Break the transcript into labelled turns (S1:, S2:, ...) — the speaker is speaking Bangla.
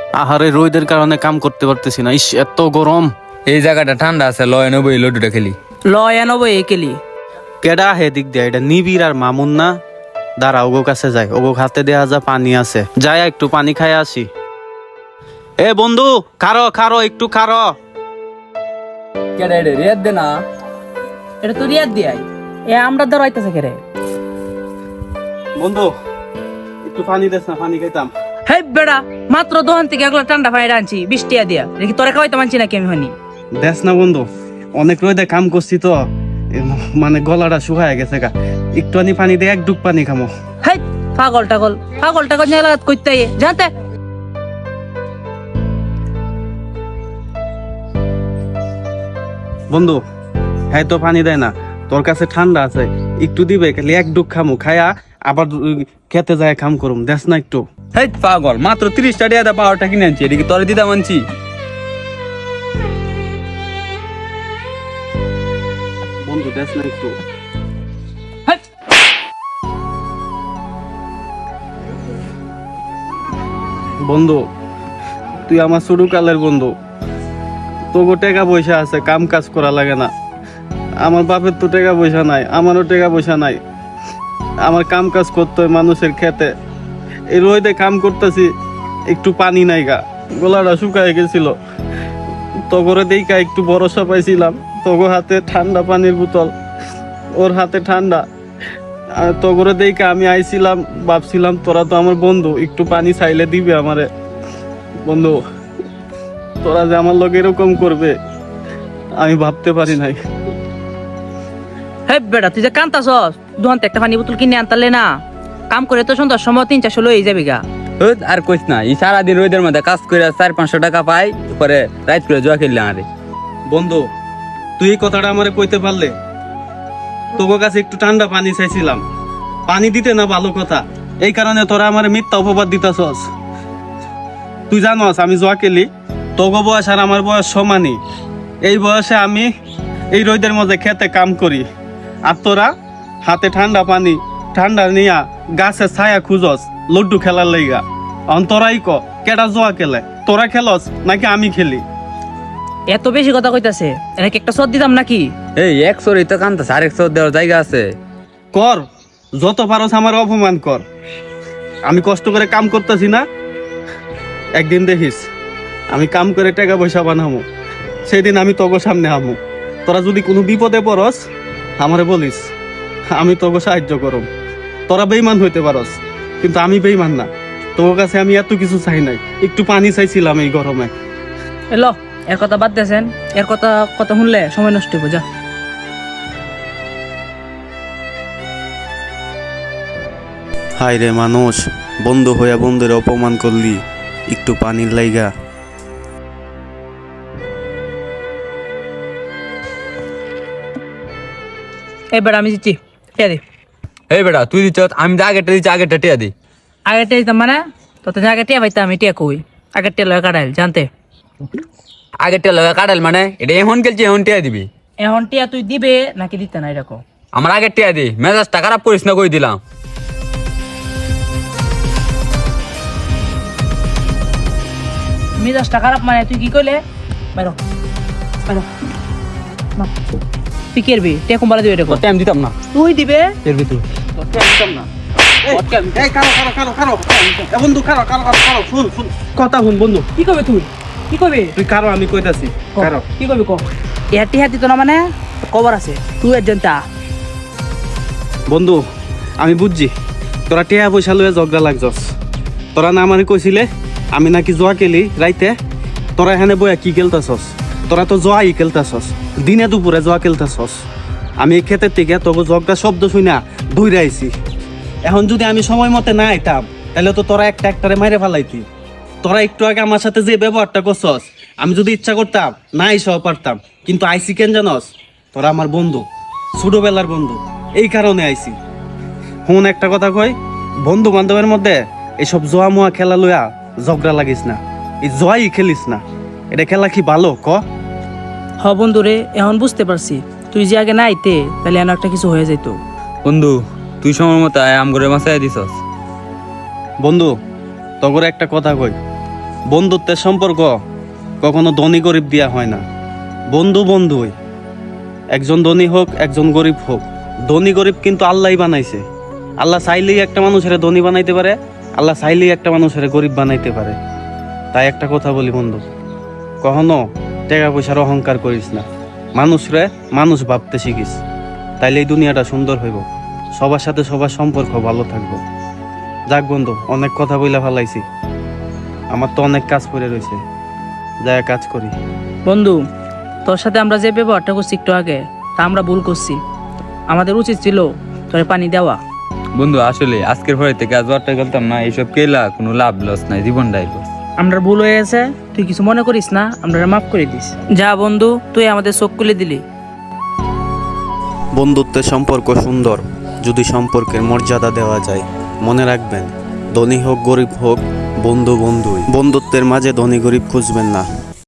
S1: আহারে রোদের কারণে কাম করতে পারতেছি না, ইস এত গরম।
S2: এই জায়গাটা ঠান্ডা আছে, লয় নেবো এই লডুটা খেলি।
S3: লয় আনবো একেলি।
S1: কেডা হে দিক দিয়ে এটা নিবিড় আর মামুন না? দাঁড়া ওগো কাছে যাই, ওগো হাতে দেয়া যা পানি আছে, যাই একটু পানি খাই আসি। এ বন্ধু খারো খারো একটু খারো।
S2: কেডা এটা রেত দে না।
S3: এটা তো রিয়াদ দিয়াই এ আমরা ধর আইতাছে কেরে।
S1: বন্ধু একটু পানি দেস না, পানি খাইতাম।
S3: হেই বেড়া, মাত্র দোকান থেকে একলা ঠান্ডা পানি আনছি 20 টাকা দিয়া, দেখি তোরে খাওয়াইতে মানছি নাকি আমি হনি।
S1: দেস না বন্ধু, অনেক রোদে কাম করছি তো, মানে গলাটা শুকায় গেছে গা, একটু পানি দে, এক ডুব পানি খামো।
S3: হেই পাগল টাগল নিয়ে লাগাত কইতে জানতে।
S1: বন্ধু হ্যাঁ তো পানি দেয় না, তোর কাছে ঠান্ডা আছে একটু দিবে, খালি এক ডুব খামু, খায়া আবার খেতে যায় কাম করুম, দেস না একটু।
S2: হেই পাগল, মাত্র 30 টাকা দিয়ে পাওয়ারটা কিনে আনছি, এদিকে তোরে দিদা মানছি।
S1: বন্ধু দেস না একটু।
S3: হেই
S1: বন্ধু তুই আমার ছোট কালের বন্ধু, তোকে টাকা পয়সা আছে, কাম কাজ করা লাগে না। আমার বাপের তো টাকা পয়সা নাই, আমারও টাকা পয়সা নাই, আমার কাম কাজ করতে হয় মানুষের খেতে। এই রোদে কাম করতেছি, একটু পানি নাই গা, গলাটা শুকায় গেছিল। তগরে দেখা একটু ভরসা পাইছিলাম, তগো হাতে ঠান্ডা পানির বোতল, ওর হাতে ঠান্ডা। আর তগরে দেখা আমি আইছিলাম, ভাবছিলাম তোরা তো আমার বন্ধু, একটু পানি চাইলে দিবে আমারে। বন্ধু তোরা যে আমার লোক এরকম করবে আমি ভাবতে পারি নাই।
S3: হেই বেড়া, তুই যে কান্তাছস, দোকান থেকে একটা পানি বোতল কিনে আনতালে না, কাম করে তো সন্ধ্যার সময় 3-400 লই যাবি গা।
S2: আর কইস না, এই সারাদিন রোদের মধ্যে কাজ করে 400-500 টাকা পাই, পরে রাত করে জুয়া খেললাম। আরে
S1: বন্ধু তুই এই কথাটা আমারে কইতে পারলে, তোর কাছে একটু ঠান্ডা পানি চাইছিলাম, পানি দিতে না ভালো কথা, এই কারণে তোরা আমারে মিথ্যা অপবাদ দিতাছস। তুই জানস আমি জুয়া খেলি, তোগো বয়স আর আমার বয়স সমানই, এই বয়সে আমি এই রোদের মধ্যে খেতে কাম করি, আর তোরা হাতে ঠান্ডা পানি ঠান্ডা নিয়া গাছে ছায়া খুঁজস লড্ডু খেলার লাইগা। তোরাই ক কেডা জুয়া খেলে, তোরা খেলস নাকি আমি খেলি?
S3: এত বেশি কথা কইতাছে, এনাকে একটা সদ দিতাম নাকি?
S2: এই 100 তো কান্তাছে, আর 100 দেওয়ার জায়গা আছে।
S1: কর যত পারস আমার অপমান কর, আমি কষ্ট করে কাম করতেছি না? একদিন দেখিস আমি কাম করে টাকা পয়সা বানাবো, সেদিন আমি তোগো সামনে আমু। তোরা যদি কোনো বিপদে পড়স আমারে বলিস, আমি তোগো সাহায্য করব। তোরা বেইমান হইতে পারস, কিন্তু আমি বেইমান না। তোর কাছে আমি এত কিছু চাই নাই, একটু পানি চাইছিলাম এই গরমে।
S3: এলো এর কথা বাদ দেছেন, এর কথা কথা শুনলে সময় নষ্ট হইব, যা।
S1: হাই রে মানুষ, বন্ধু হইয়া বন্ধুরে অপমান করলি একটু পানির লাইগা।
S3: এবার আমি দিচ্ছি, টিয়া দি।
S2: এই বেটা তুই দিচ্ছ, আমি তো আগেরটা দিচ্ছি, আগেরটা টিয়া দি।
S3: আগে টিয়া দিতাম মানে তো আগে টিয়া পাইতাম, আমি টিয়া কই আগের টিয়া লয় কাটাইল জানতে।
S2: আগেরটা লগা কাটাল মানে এটা এখন খেলছি, এখন টিয়া দিবি।
S3: এখন টিয়া তুই দিবে নাকি দিতে না এরকম?
S2: আমার আগের টিয়া দি, মেজাজটা খারাপ করিস না, কই দিলাম।
S3: মেজাজটা খারাপ মানে তুই কি কইলে? বাইরো বাইরো না, তুই কেরবি টিয়া কুম্বালা দিবে এরকম?
S2: টাইম দিতাম না,
S3: তুই দিবে
S2: কেরবি তুই।
S1: কথা শুন বন্ধু,
S3: কি করবে তুই? কি করবে
S1: তুই কারো আমি কইতাছি, কারো
S3: কি করবি ক? এহাতি হাতি তো না মানে কবর আছে, তুই একজন তা।
S1: বন্ধু আমি বুঝছি তোরা টিয়া পয়সা লইয়া ঝগড়া লাগছস। তোরা না মানে কইছিলে আমি নাকি জোয়া খেলি রাইতে, তোরা এখানে বইয়া কি খেলতাছস? তোরা তো জোয়াই খেলতাছস, দিনে দুপুরে জোয়া খেলতাছস। আমি এই ক্ষেতের থেকে তোকে ঝগড়া শব্দ শুনা দৌড়ে আইছি। এখন যদি আমি সময় মতে না আইতাম তাহলে তো তোরা একটা একটারে মাইরে ফেলাইতি। তোরা একটু আগে আমার সাথে যে ব্যবহারটা করছস, আমি যদি ইচ্ছা করতাম না আইসাও পারতাম, কিন্তু আইসি কেন জানস? তোরা আমার বন্ধু, ছোটবেলার বন্ধু, এই কারণে আইসি। হুন একটা কথা কই, বন্ধু বান্ধবের মধ্যে এইসব জোয়া মোয়া খেলা লইয়া ঝগড়া লাগিস না, এই জোয়াই খেলিস না। এটা খেলা কি ভালো ক?
S3: হ বন্ধু রে, এখন বুঝতে পারছি তুই যে আগে না আইতে তাহলে এমন একটা কিছু হয়ে যেত।
S2: বন্ধু তুই সময় মতো আম করে মাসায় দিছস।
S1: বন্ধু তগরে একটা কথা কই, বন্ধুত্বের সম্পর্ক কখনো ধনী গরিব দিয়া হয় না। বন্ধু বন্ধুই, একজন ধনী হোক একজন গরিব হোক, ধনী গরিব কিন্তু আল্লাহই বানাইছে। আল্লাহ চাইলেই একটা মানুষের ধনী বানাইতে পারে, আল্লাহ চাইলেই একটা মানুষের গরিব বানাইতে পারে। তাই একটা কথা বলি বন্ধু, কখনো টাকা পয়সার অহংকার করিস না, মানুষরে মানুষ ভাবতে শিখিস, তাইলে এই দুনিয়াটা সুন্দর হইব, সবার সাথে সবার সম্পর্ক ভালো থাকবো। যাক বন্ধু, অনেক কথা বইলা ফেলাইছি, আমার তো অনেক কাজ পড়ে রয়েছে, যাই কাজ করি।
S3: বন্ধু, তোর সাথে আমরা যে ব্যবহারটা করছি একটু আগে, তা আমরা ভুল করছি। আমাদের উচিত ছিল তোর পানি দেওয়া।
S2: বন্ধু আসলে আজকের পরে থেকে আজ ওয়ারটা গেলতাম না, এইসব কেলা কোনো লাভ লস নাই, জীবনটাই লস।
S3: আমরা ভুল হয়ে গেছে, তুই কিছু মনে করিস না, আমরা মাফ করে দিস। যা বন্ধু, তুই আমাদের চোখ খুলে দিলি।
S1: বন্ধুত্বের সম্পর্ক সুন্দর যদি সম্পর্কের মর্যাদা দেওয়া যায়। মনে রাখবেন, ধনী হোক গরিব হোক, বন্ধু বন্ধুই। বন্ধুত্বের মাঝে ধনী গরিব খুঁজবেন না।